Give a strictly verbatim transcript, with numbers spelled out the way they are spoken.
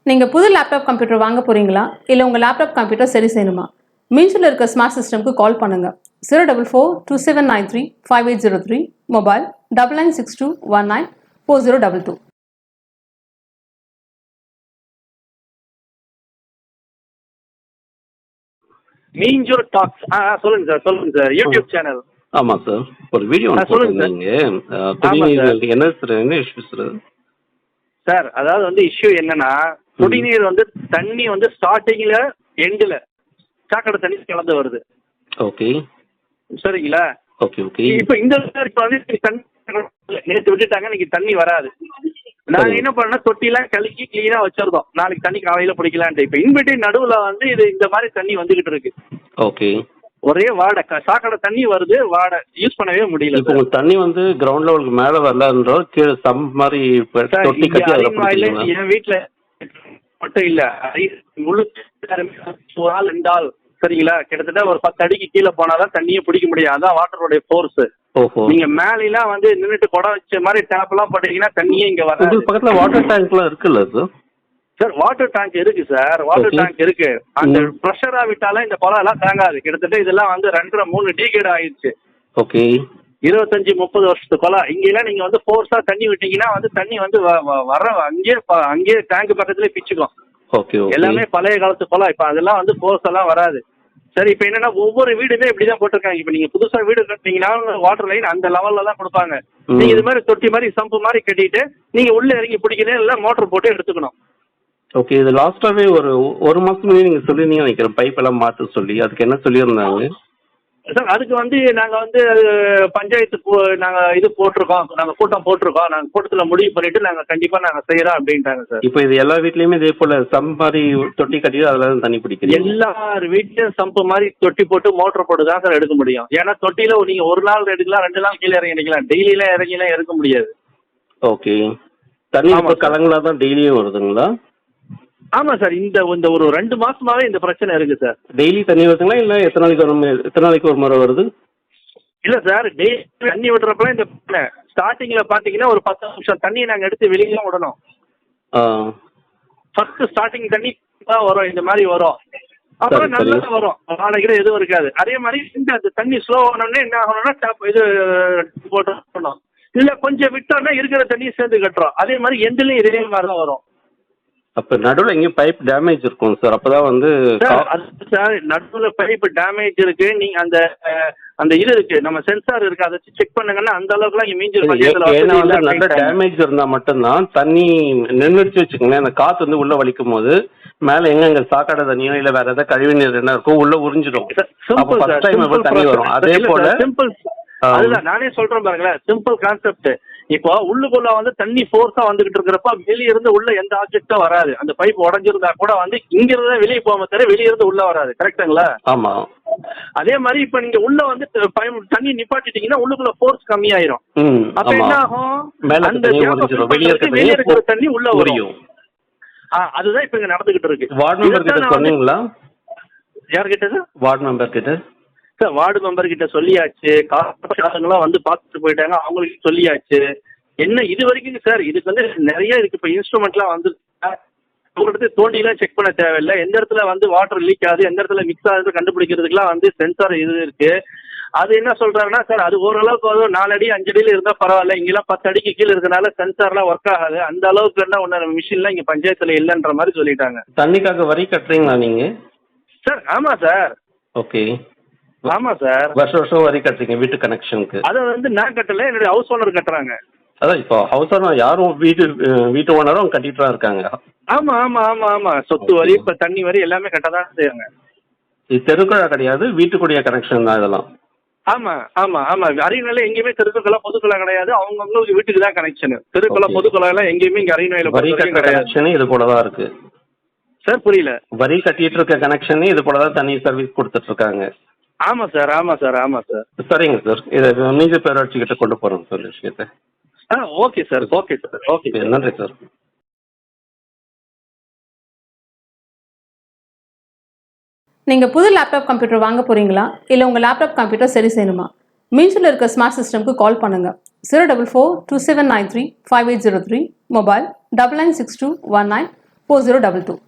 நீங்கள் புது laptop computer வாங்க போகிறீங்களா இல்லை உங்கள் லேப்டாப் கம்ப்யூட்டர் சரி செய்யணுமா? மீன்ஸில் இருக்க ஸ்மார்ட் சிஸ்டம்க்கு கால் பண்ணுங்கள். Zero double four two seven nine three five eight zero three, mobile double nine six two one nine four zero double two. மீஞ்சோ டாக்ஸ். ஆ சொல்லுங்க சார், சொல்லுங்க சார். YouTube channel. ஆமாம் சார், ஒரு வீடியோ ஆ, சொல்லுங்க சார். நீங்கள் ஆமாம் சார். என்ன சார் என்ன இஷ்யூ சார்? சார் அதாவது வந்து இஷ்யூ என்னன்னா, குடிநீர் வந்து தண்ணி வந்து ஸ்டார்டிங்ல எண்டில் சாக்கடை தண்ணி கலந்து வருது. ஓகே சரிங்களா? ஓகே ஓகே இப்போ இந்த இப்போ வந்து தண்ணி நேற்று விட்டுட்டாங்க, இன்னைக்கு தண்ணி வராது. நாங்க சரி. என்ன பண்ணோம், தொட்டிலாம் கழுக்கி கிளீனா வச்சிருந்தோம், நாளைக்கு தண்ணி காலையில பிடிக்கலான்ட்டு. இப்போ இன்பிட்வீன் நடுவுல வந்து இது இந்த மாதிரி தண்ணி வந்துகிட்டு இருக்கு. ஓகே ஒரே வாடை, க- சாக்கடை தண்ணி வருது, வாடை, யூஸ் பண்ணவே முடியல. இப்போ உங்களுக்கு தண்ணி வந்து கிரவுண்ட் லெவலுக்கு மேலே வரலன்றோ கீழே சம் மாதிரி இப்ப சார், தொட்டி இங்க கட்டி அதில் அரிமாயில பிடிச்சிங்களா? என் வீட்டுல மட்டும் இல்ல, அரி- முழு ஒரு ஆள் ரெண்டு ஆள், சரிங்களா, கிட்டத்தட்ட ஒரு பத்து அடிக்கு கீழே போனாதான் தண்ணியை பிடிக்க முடியும். அதான் வாட்டருடைய ஃபோர்ஸ். ஓஹோ, நீங்க மேலாம் வந்து நின்றுட்டு குடம் வச்ச மாதிரி டேப் எல்லாம் போட்டீங்கன்னா தண்ணியே இங்க வராது. உங்களுக்கு பக்கத்தில் வாட்டர் டேங்க்லாம் இருக்குல்ல சார்? சார் வாட்டர் டேங்க் இருக்கு சார், வாட்டர் Okay. டேங்க் இருக்கு. அந்த ம். ப்ரெஷரா விட்டாலும் இந்த குளம் எல்லாம் தாங்காது. கிட்டத்தட்ட இதெல்லாம் வந்து ரெண்டரை மூணு டீகேட் ஆயிடுச்சு. ஓகே இருபத்தஞ்சு முப்பது வருஷத்து குளம். இங்கெல்லாம் நீங்க வந்து ஃபோர்ஸா தண்ணி விட்டீங்கன்னா வந்து தண்ணி வந்து வ- வ- வர அங்கேயே ப- அங்கேயே டேங்க் பக்கத்துலயே பிச்சுக்கும். ஓகே ஓகே எல்லாமே பழைய காலத்து குளம். இப்ப அதெல்லாம் வந்து ஃபோர்ஸ் எல்லாம் வராது. சரி, இப்ப என்னன்னா ஒவ்வொரு வீடுமே இப்படிதான் போட்டிருக்காங்க. இப்ப நீங்க புதுசா வீடு கட்டினீங்கன்னா வாட்டர் லைன் அந்த லெவல்ல தான் கொடுப்பாங்க. ம். நீங்க இது மாதிரி தொட்டி மாதிரி சம்பு மாதிரி கட்டிட்டு நீங்க உள்ள இறங்கி பிடிக்கிறதே இல்லை, மோட்டர் போட்டு எடுத்துக்கணும். ஓகே இது லாஸ்ட்டாகவே ஒரு ஒரு மாதம் முன்னாடி நீங்கள் சொல்லியிருந்தீங்க நினைக்கிறேன், பைப் எல்லாம் மாற்ற சொல்லி. அதுக்கு என்ன சொல்லியிருந்தாங்க? சார் அதுக்கு வந்து நாங்க வந்து பஞ்சாயத்து போ- நாங்க இது போட்டிருக்கோம், நாங்க கூட்டம் போட்டிருக்கோம், நாங்க கூட்டத்துல முடிவு பண்ணிட்டு நாங்க கண்டிப்பா நாங்க செய்யறோம் அப்படின்ட்டாங்க சார். இப்போ இது எல்லா வீட்லேயுமே இதே போல் சம் மாதிரி தொட்டி கட்டிட்டு அதில் தான் தண்ணி பிடிக்கிறீங்க? எல்லார் வீட்லயும் சம்பு மாதிரி தொட்டி போட்டு மோட்டர் போட்டு தான் சார் எடுக்க முடியும். ஏன்னா தொட்டியில நீங்க ஒரு நாள் எடுக்கலாம், ரெண்டு நாள் கீழே இறங்கி எடுக்கலாம், டெய்லியெல்லாம் இறங்கிலாம் எடுக்க முடியாது. ஓகே தண்ணி ஆமா இப்போ சார். கலங்களா தான் டெய்லியும் வருதுங்களா? ஆமா சார், இந்த இந்த ஒரு ரெண்டு மாசமாவே இந்த பிரச்சனை இருக்கு சார். டெய்லி தண்ணி வருதுங்களா இல்லை எத்தனை நாளைக்கு ஒரு முறை- எத்தனை நாளைக்கு ஒரு முறை வருது? இல்ல சார், டெய்லி தண்ணி விடுறப்ப இந்த ஸ்டார்டிங்ல பாத்தீங்கன்னா ஒரு பத்து நிமிஷம் தண்ணியை நாங்க எடுத்து வெளியில விடணும். ஆ ஃபர்ஸ்ட் ஸ்டார்டிங் தண்ணி தான் வரும், இந்த மாதிரி வரும். அப்புறம் சரி, நல்லா சரி. வரும், நாளைக்கு எதுவும் இருக்காது. அதே மாதிரி இந்த அந்த தண்ணி ஸ்லோ ஆனோடனே என்ன ஆகணும்னா டேப் இது போட்டோம், இல்ல கொஞ்சம் விட்டோம்னா இருக்கிற தண்ணியை சேர்ந்து கட்டுறோம். அதே மாதிரி எண்ட்லயும் இதே மாதிரி தான் வரும். அப்போ நடுவில் எங்கேயும் பைப் டேமேஜ் இருக்கும் சார், அப்போ தான் வந்து சார் கா- அது சார் நடுவில் பைப் டேமேஜ் இருக்கு. நீங்க அந்த அஹ், அந்த இது இருக்கு, நம்ம சென்சார் இருக்கு, அதை செக் பண்ணுங்கன்னா அந்த அளவுக்குலாம் இங்க மீஞ்சூர் பஞ்சாயத்துல ஏன்னா வசதி வந்து இல்ல நல்ல அப்படின்ட்டாங்க. டேமேஜ் இருந்தால் மட்டும்தான் தண்ணி நின்றுச்சு வச்சுக்கோங்களேன், அந்த காற்று வந்து உள்ளே வலிக்கும் போது மேலே எங்கெங்க சாக்கடை தண்ணியோ இல்லை வேற ஏதாவது கழிவு நீர் என்ன இருக்கோ உள்ளே உறிஞ்சிடும். சார், அப்போ simple first sir, time simple எப்போ தண்ணி process. வரும் அதே இல்ல போல் சார், simple. அதுதான் நானே சொல்றேன் பாருங்களேன், சிம்பிள் கான்செப்ட். இப்போ உள்ளுக்குள்ள வந்து தண்ணி ஃபோர்ஸா வந்துகிட்டு இருக்கிறப்ப வெளிய இருந்து உள்ள எந்த ஆப்ஜெக்டும் வராது. அந்த பைப் உடஞ்சிருந்தா கூட வந்து இங்க இருந்து வெளியே போகாம தவிர வெளிய இருந்து உள்ள வராது. கரெக்டுங்களா? ஆமாம். அதே மாதிரி இப்ப நீங்க உள்ள வந்து பைப் தண்ணி நிப்பாட்டிட்டீங்கன்னா உள்ளுக்குள்ள ஃபோர்ஸ் கம்மியாயிரும். ம் அப்ப என்ன ஆமாம். ஆகும், மேலே அந்த தண்ணி gap அ உறிஞ்சிடும், fill வெளியே இருக்க பண்றதுக்கு வெளிய இருக்கிற தண்ணி உள்ள வரும். உரியும். ஆ, அதுதான் இப்ப இங்க நடந்துகிட்டு இருக்கு. வார்டு மெம்பர் இதைத்தான் கிட்ட நான் வந்து- சொன்னீங்களா? யார்கிட்ட சார்? வார்டு மெம்பர் கிட்ட சார் வார்டு மெம்பர் கிட்ட சொல்லியாச்சு, காரணங்களாம் வந்து பார்த்துட்டு போயிட்டாங்க, அவங்களுக்கு சொல்லியாச்சு. என்ன இது வரைக்கும் சார் இதுக்கு வந்து நிறைய இருக்கு. இப்போ இன்ஸ்ட்ருமெண்ட்லாம் வந்து ஒரு இடத்துல தோண்டிலாம் செக் பண்ண தேவையில்லை. எந்த இடத்துல வந்து வாட்டர் லீக் ஆகுது, எந்த இடத்துல மிக்ஸ் ஆகுது கண்டுபிடிக்கிறதுக்குலாம் வந்து சென்சார் இது இருக்கு. அது என்ன சொல்றாங்கன்னா சார், அது ஓரளவுக்கு வந்து நாலு அடி அஞ்சு அடியில் இருந்தால் பரவாயில்ல, இங்கெல்லாம் பத்து அடிக்கு கீழே இருக்கனால சென்சார்லாம் ஒர்க் ஆகாது, அந்த அளவுக்கு என்ன ஒன்று மிஷின்லாம் இங்கே பஞ்சாயத்தில் இல்லைன்ற மாதிரி சொல்லிட்டாங்க. தண்ணிக்காக வரி கட்டுறீங்களா நீங்கள்? சார் ஆமாம் சார், ஓகே ஆமாம் சார். வருஷம் வருஷம் வரி கட்டுறீங்க வீட்டு கனெக்ஷனுக்கு? அதை வந்து நான் கட்டல, என்னுடைய ஹவுஸ் ஓனர் கட்டுறாங்க. அதான் இப்போ ஹவுஸ் ஓனர் யாரும் வீட்டு அஹ், வீட்டு ஓனரும் கட்டிட்டு தான் இருக்காங்க. ஆமா ஆமா ஆமா ஆமா, சொத்து வரி இப்ப தண்ணி வரி எல்லாமே கட்டதான் செய்வாங்க. இது தெருக்குழா கிடையாது, வீட்டுக்குடிய கனெக்ஷன் தான் இதெல்லாம். ஆமா ஆமா ஆமா, அரியணையில எங்கேயுமே தெருக்குள்ள பொதுக்குழா கிடையாது, அவங்கவுங்களுக்கு வீட்டுக்கு தான் கனெக்ஷன். தெருக்குள்ள Okay. பொதுக்குழா எல்லாம் எங்கேயுமே இங்க அரியணையில வரி கட்டுற கிடையாது. கனெக்ஷன் இது போல தான் இருக்கு சார் புரியல. வரி கட்டிட்டு இருக்க கனெக்ஷன் இது போல தான் தண்ணி சர்வீஸ் கொடுத்துட்டு இருக்காங்க. ஆமா சார் ஆமா சார் ஆமா சார். சரிங்க சார், இதை மீஞ்ச பேராட்சி கிட்ட கொண்டு போறோம் சார் விஷயத்தை. ஆ okay sir okay sir okay sir. நன்றி சார். நீங்கள் புது லேப்டாப் கம்ப்யூட்டர் வாங்க போகிறீங்களா இல்லை உங்கள் லேப்டாப் கம்ப்யூட்டர் சரி செய்யணுமா? மீன்ஸில் இருக்க ஸ்மார்ட் சிஸ்டம்க்கு கால் பண்ணுங்கள். Zero double four two seven nine three five eight zero three, mobile double nine six two one nine four zero double two